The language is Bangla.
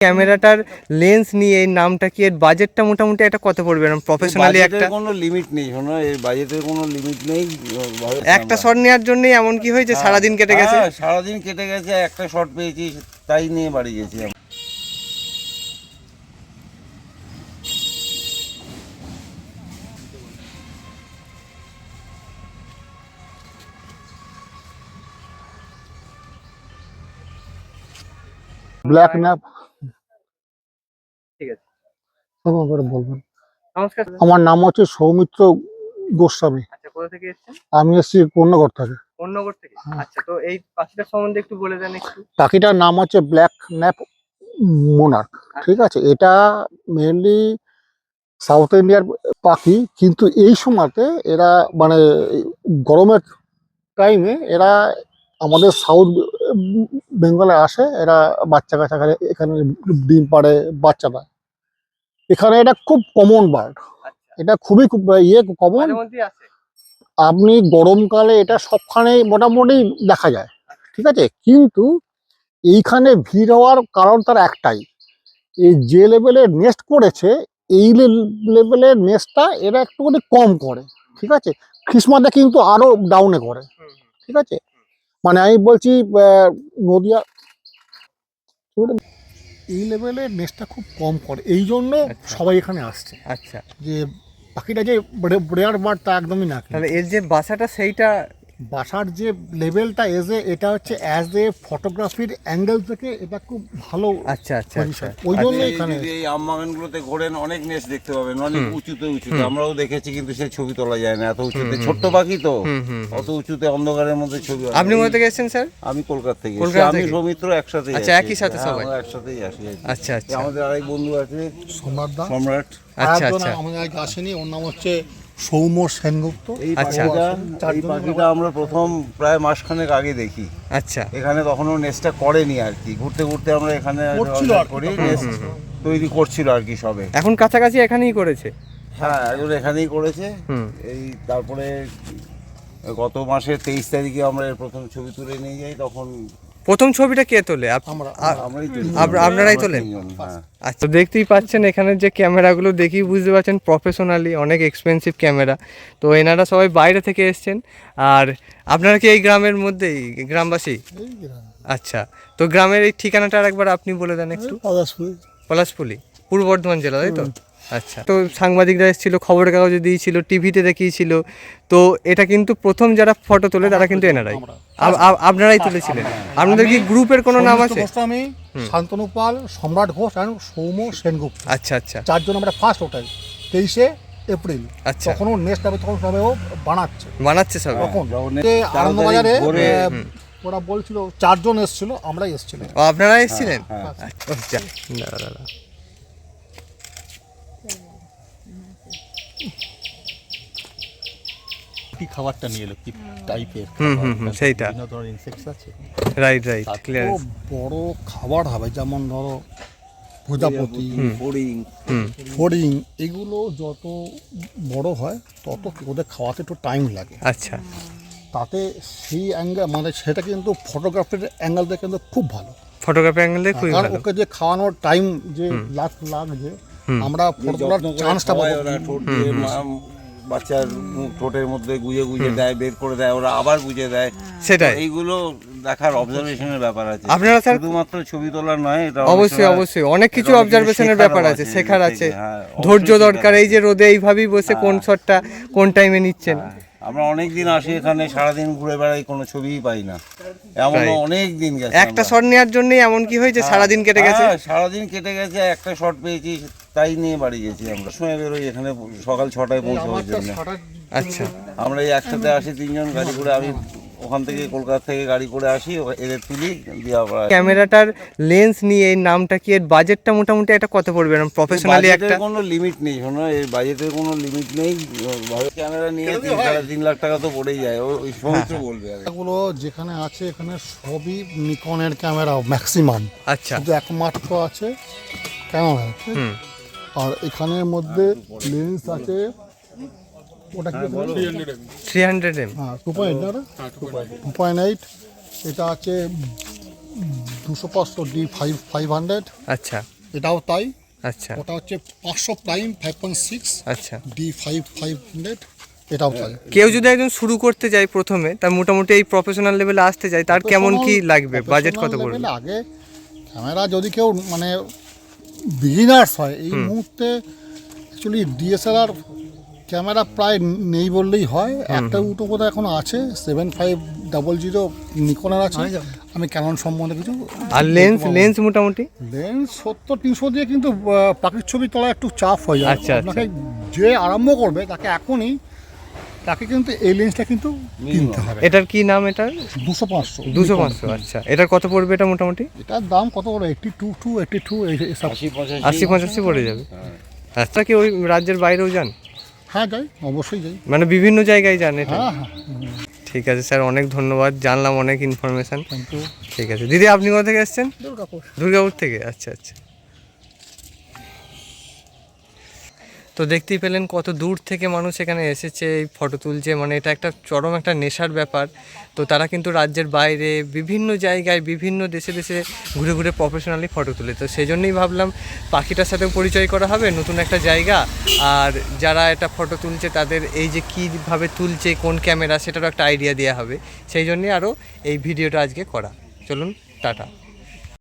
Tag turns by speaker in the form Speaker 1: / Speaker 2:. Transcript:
Speaker 1: ক্যামেরাটার লেন্স নিয়ে এই নামটা কি, এর বাজেটটা মোটামুটি একটা কত পড়বে না প্রফেশনালি? একটা
Speaker 2: কোনো লিমিট নেই, শোনো এর বাজেটের কোনো লিমিট নেই।
Speaker 1: একটা শট নেওয়ার জন্য এমন কি হয়েছে সারাদিন কেটে গেছে?
Speaker 2: সারাদিন কেটে গেছে, একটা শট পেয়েছি তাই নিয়ে বাড়ি গেছি।
Speaker 3: Black nap.
Speaker 1: ঠিক আছে,
Speaker 3: বলবেন।
Speaker 1: নমস্কার।
Speaker 3: আমার নাম হচ্ছে সৌমিত্র গোস্বামী।
Speaker 1: আচ্ছা, কোথা থেকে এসেছেন?
Speaker 3: আমি এসেছি কন্যাগর থেকে।
Speaker 1: কন্যাগর থেকে? আচ্ছা, তো এই পাখিটার সম্বন্ধে একটু বলে দেন একটু।
Speaker 3: পাখিটার নাম হচ্ছে ব্ল্যাক ন্যাপ মোনার্ক। ঠিক আছে, এটা মেনলি সাউথ ইন্ডিয়ার পাখি, কিন্তু এই সময়তে এরা মানে গরমের টাইমে এরা আমাদের সাউথ বেঙ্গলে আসে। এরা বাচ্চা কাচ্চা এখানে ডিম পাড়ে, বাচ্চা দেয় এখানে। এটা খুব কমন বার্ড, এটা খুবই কমন। আপনি গরমকালে এটা সবখানে মোটামুটি দেখা যায়, ঠিক আছে। কিন্তু এইখানে ভিড় হওয়ার কারণ তার একটাই, এই যে লেভেলের নেস্ট করেছে, এই লেভেলের নেস্টটা এরা একটুখানি কম করে, ঠিক আছে। খ্রিসমাসে কিন্তু আরো ডাউনে করে, ঠিক আছে। মানে আমি বলছি নদিয়া এই লেভেলের নেস্টটা খুব কম করে, এই জন্য সবাই এখানে আসছে।
Speaker 1: আচ্ছা,
Speaker 3: যে পাখিটা যে রেয়ার বার্ড তা একদমই না।
Speaker 1: তাহলে এর যে বাসাটা, সেইটা
Speaker 3: বাসার যে লেভেলটা এটা হচ্ছে অ্যাজ এ ফটোগ্রাফির অ্যাঙ্গেল থেকে এটা খুব ভালো।
Speaker 1: আচ্ছা আচ্ছা আচ্ছা,
Speaker 3: ওই জন্য এখানে
Speaker 2: এই আমবাগানগুলোতে ঘোরেন অনেক নেস্ট দেখতে পাবেন, অনেক উঁচুতে উঁচুতে। আমরাও দেখেছি, কিন্তু সেই ছবি তোলা যায় না এত উঁচুতে। ছোট্ট পাখি তো, অত উঁচুতে অন্ধকারের মধ্যে ছবি।
Speaker 1: আপনি কোথা থেকে এসেছেন স্যার?
Speaker 2: আমি কলকাতা থেকে। আমি সৌমিত্র একসাথে।
Speaker 1: আচ্ছা, একই সাথে সবাই
Speaker 2: একসাথেই আসি।
Speaker 1: আচ্ছা আচ্ছা,
Speaker 2: আমাদের আরেক বন্ধু আছে সম্রাট।
Speaker 3: আচ্ছা আচ্ছা, আমাদের আগে আসেনি, ওর নাম হচ্ছে সৌম্য সেনগুপ্ত।
Speaker 2: এই পাখিটা আমরা প্রথম প্রায় মাসখানেক আগে দেখি।
Speaker 1: আচ্ছা,
Speaker 2: এখানে তখনও নেস্টটা করেনি আর কি, ঘুরতে ঘুরতে আমরা এখানে তৈরি করছিল আর কি সবে।
Speaker 1: এখন কাছাকাছি এখানেই করেছে?
Speaker 2: হ্যাঁ, এখন এখানেই করেছে। এই তারপরে গত মাসের 23 তারিখে আমরা এর প্রথম ছবি তুলে নিয়ে যাই। তখন
Speaker 1: প্রথম ছবিটা কে তোলে? আপনারাই তোলেন? আচ্ছা, দেখতেই পাচ্ছেন এখানে যে ক্যামেরাগুলো দেখি বুঝতে পারছেন প্রফেশনালি অনেক এক্সপেন্সিভ ক্যামেরা। তো এনারা সবাই বাইরে থেকে এসছেন। আর আপনারা কি এই গ্রামের মধ্যেই গ্রামবাসী? আচ্ছা, তো গ্রামের এই ঠিকানাটা একবার আপনি বলে দেন একটু। পলাশপুলি, পূর্ব বর্ধমান জেলা, তাই তো? আচ্ছা, তো সাংবাদিকরা এসেছিল, খবরের কাগজে দিয়েছিল, টিভিতে দেখিয়েছিল। তো এটা কিন্তু প্রথম যারা ফটো তোলে তারা কিন্তু এনারাই, আপনারাই তুলেছিলেন। আপনাদের কি গ্রুপের কোনো নাম আছে?
Speaker 3: আমি শান্তনু পাল, সম্রাট ঘোষ আর সৌম্য সেনগুপ্ত।
Speaker 1: আচ্ছা আচ্ছা,
Speaker 3: চারজন আমরা ফার্স্ট ওটাই 23শে এপ্রিল।
Speaker 1: আচ্ছা,
Speaker 3: তখনও নেক্সট হবে, তখন সবাই
Speaker 1: বানাচ্ছে সব।
Speaker 3: তখন আনন্দবাজারে ওরা বলছিল 4 জন এসেছিল, আমরাই এসেছিলাম।
Speaker 1: আপনারা এসেছিলেন? আচ্ছা,
Speaker 4: কি খাবারটা নিয়ে এলো, কি টাইপের
Speaker 1: সেইটা
Speaker 4: বিভিন্ন ধরনের ইনসেক্টস আছে।
Speaker 1: Right, clear.
Speaker 3: বড় খাবার হবে, যেমন ধরো প্রজাপতি, ফড়িং, এগুলো যত বড় হয় তত ওদের খাওয়াতে একটু টাইম লাগে।
Speaker 1: আচ্ছা,
Speaker 3: তাতে সেই অ্যাঙ্গেল মানে সেটা কিন্তু ফটোগ্রাফির অ্যাঙ্গেল থেকে কিন্তু খুব ভালো।
Speaker 1: ফটোগ্রাফি অ্যাঙ্গেল দিয়ে খুবই ভালো।
Speaker 3: ওকে যে খাওয়ানোর টাইম যে লাগছে, আমরা ফটোগ্রাফ চান্সটা পাবো।
Speaker 2: বাচ্চার ঠোঁটের মধ্যে গুজে গুজে দেয়, বের করে দেয়, ওরা আবার গুজে দেয়।
Speaker 1: সেটাই,
Speaker 2: এইগুলো দেখার অবজারভেশনের ব্যাপার আছে।
Speaker 1: আপনারা স্যার
Speaker 2: শুধুমাত্র ছবি তোলার নয়, এটা
Speaker 1: অবশ্যই অনেক কিছু অবজারভেশনের ব্যাপার আছে, শেখার আছে, ধৈর্য দরকার। এই যে রোদে এইভাবেই বসে কোন শটটা কোন টাইমে নিচ্ছেন।
Speaker 2: আমরা অনেক দিন আসি এখানে, সারাদিন ঘুরে বেড়াই, কোনো ছবিই পাই না। এমন অনেক দিন গেছে,
Speaker 1: একটা শট নেওয়ার জন্য এমন কি হয়েছে সারাদিন কেটে গেছে?
Speaker 2: সারাদিন কেটে গেছে, একটা শট পেয়েছি তাই নিয়ে বাড়ি গেছি। আমরা সময় বেরোই এখানে সকাল 6টায় পৌঁছানোর জন্য।
Speaker 1: আচ্ছা,
Speaker 2: আমরা এই একসাথে আসি 3 জন গাড়ি করে। আমি ওখান থেকে কলকাতা থেকে গাড়ি করে আসি, এদের তুলি দিয়ে আবার।
Speaker 1: ক্যামেরাটার লেন্স নিয়ে এই নামটা কি, এর বাজেটটা মোটামুটি একটা কত পড়বে না প্রফেশনালি? একটা
Speaker 2: কোনো লিমিট নেই, শোনো এর বাজেটের কোনো লিমিট নেই। ক্যামেরা নিয়ে 3.5 লাখ টাকা তো পড়েই যায়, ওই সমস্ত বলবে।
Speaker 3: এগুলো যেখানে আছে এখানে সবই নিকনের ক্যামেরা ম্যাক্সিমাম।
Speaker 1: আচ্ছা,
Speaker 3: শুধু একমাত্র আছে ক্যামেরা, আর এখানের মধ্যে লেন্স আছে ওটা কি
Speaker 1: 300mm,
Speaker 3: হ্যাঁ 2.8, এটা আছে 205 D500,
Speaker 1: আচ্ছা
Speaker 3: এটাও তাই।
Speaker 1: আচ্ছা
Speaker 3: ওটা হচ্ছে 500 প্রাইম 5.6,
Speaker 1: আচ্ছা।
Speaker 3: D500, এটাও তাই।
Speaker 1: কেউ যদি একজন শুরু করতে যায় প্রথমে, তার মোটামুটি এই প্রফেশনাল লেভেলে আসতে যায়, তার কেমন কি লাগবে, বাজেট কত
Speaker 3: Professional
Speaker 1: পড়বে?
Speaker 3: level আগে ক্যামেরা যদি কেউ মানে বিগিনার্স হয় এই মুহূর্তে, অ্যাকচুয়ালি ডিএসএলআর ক্যামেরা প্রায় নেই বললেই হয়। একটা দুটো বোধহয় এখনো আছে, 7500 নিকনের আছে। আমি ক্যানন সম্বন্ধে কিছু
Speaker 1: আর লেন্স মোটামুটি
Speaker 3: লেন্স 70-300 দিয়ে কিন্তু পাখির ছবি তোলা একটু চাপ হয়ে যায়।
Speaker 1: আচ্ছা,
Speaker 3: আপনাকে যে আরম্ভ করবে তাকে কিন্তু এই লেন্সটা কিন্তু কিনতে হবে।
Speaker 1: এটার কি নাম? এটার
Speaker 3: 200-500।
Speaker 1: 200-500। আচ্ছা, এটার কত পড়বে এটা মোটামুটি?
Speaker 3: এটার দাম কত বড়, 82 এসব।
Speaker 1: 80-85 পড়ে যাবে। আচ্ছা, কি ওই রাজ্যের বাইরেও যান?
Speaker 3: হ্যাঁ যাই, অবশ্যই যাই।
Speaker 1: মানে বিভিন্ন জায়গায় যান এটা?
Speaker 3: হ্যাঁ হ্যাঁ,
Speaker 1: ঠিক আছে স্যার, অনেক ধন্যবাদ, জানলাম অনেক ইনফরমেশন।
Speaker 3: Thank you.
Speaker 1: ঠিক আছে দিদি, আপনি কোথা থেকে এসেছেন? দুর্গাপুর থেকে। আচ্ছা আচ্ছা। তো দেখতেই পেলেন কত দূর থেকে মানুষ এখানে এসেছে, এই ফটো তুলছে, মানে এটা একটা চরম একটা নেশার ব্যাপার। তো তারা কিন্তু রাজ্যের বাইরে বিভিন্ন জায়গায় বিভিন্ন দেশে দেশে ঘুরে ঘুরে প্রফেশনালি ফটো তুলে। তো সেই জন্যই ভাবলাম পাখিটার সাথেও পরিচয় করা হবে, নতুন একটা জায়গা, আর যারা এটা ফটো তুলছে তাদের এই যে কীভাবে তুলছে, কোন ক্যামেরা, সেটারও একটা আইডিয়া দেওয়া হবে। সেই জন্যই আরও এই ভিডিওটা আজকে করা। চলুন, টাটা।